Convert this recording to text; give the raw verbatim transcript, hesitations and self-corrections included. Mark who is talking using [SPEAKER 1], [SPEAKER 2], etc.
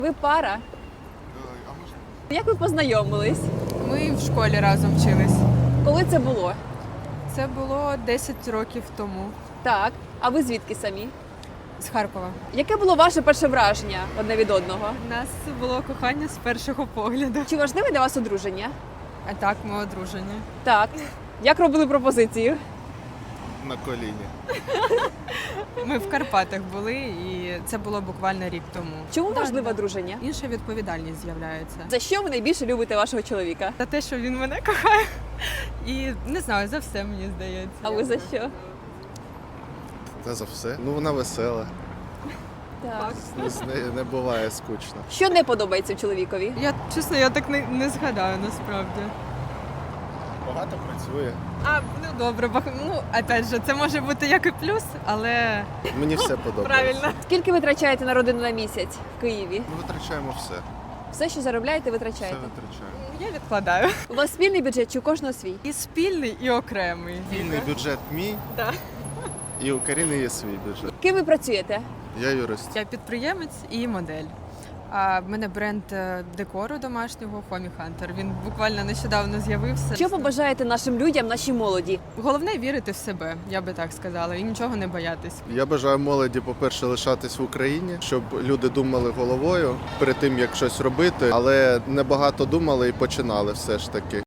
[SPEAKER 1] Ви пара?
[SPEAKER 2] А можна?
[SPEAKER 1] Як ви познайомились?
[SPEAKER 3] Ми в школі разом вчились.
[SPEAKER 1] Коли це було?
[SPEAKER 3] Це було десять років тому.
[SPEAKER 1] Так. А ви звідки самі?
[SPEAKER 3] З Харкова.
[SPEAKER 1] Яке було ваше перше враження одне від одного?
[SPEAKER 3] У нас було кохання з першого погляду.
[SPEAKER 1] Чи важливе для вас одруження?
[SPEAKER 3] А так, ми одружені.
[SPEAKER 1] Так. Як робили пропозицію?
[SPEAKER 2] На коліні.
[SPEAKER 3] Ми в Карпатах були, і це було буквально рік тому.
[SPEAKER 1] Чому
[SPEAKER 3] Да,
[SPEAKER 1] важливе
[SPEAKER 3] да.
[SPEAKER 1] одруження?
[SPEAKER 3] Інша відповідальність з'являється.
[SPEAKER 1] За що ви найбільше любите вашого чоловіка?
[SPEAKER 3] За те, що він мене кохає. І не знаю, за все мені здається.
[SPEAKER 1] А ви за що?
[SPEAKER 2] Та за все. Ну вона весела.
[SPEAKER 1] Так.
[SPEAKER 2] З нею не буває скучно.
[SPEAKER 1] Що не подобається чоловікові?
[SPEAKER 3] Я чесно, я так не, не згадаю насправді.
[SPEAKER 2] Багато працює.
[SPEAKER 3] А, ну добре, бах... ну опять же, це може бути як і плюс, але
[SPEAKER 2] Мені все подобається.
[SPEAKER 3] правильно.
[SPEAKER 1] Скільки ви витрачаєте на родину на місяць в Києві?
[SPEAKER 2] Ми витрачаємо все.
[SPEAKER 1] Все, що заробляєте,
[SPEAKER 2] Все
[SPEAKER 1] витрачаєте.
[SPEAKER 2] витрачаємо.
[SPEAKER 3] Я відкладаю.
[SPEAKER 1] У вас спільний бюджет чи у кожного свій?
[SPEAKER 3] І спільний, і окремий.
[SPEAKER 2] Вільний бюджет мій,
[SPEAKER 3] Да.
[SPEAKER 2] і у Каріни є свій бюджет.
[SPEAKER 1] Ким ви працюєте?
[SPEAKER 2] Я юрист.
[SPEAKER 3] Я підприємець і модель. А в мене бренд е, декору домашнього Homie Hunter. Він буквально нещодавно з'явився.
[SPEAKER 1] Що побажаєте нашим людям, нашій молоді?
[SPEAKER 3] Головне вірити в себе, я би так сказала, і нічого не боятись.
[SPEAKER 2] Я бажаю молоді, по-перше, лишатись в Україні, щоб люди думали головою перед тим, як щось робити, але не багато думали і починали все ж таки.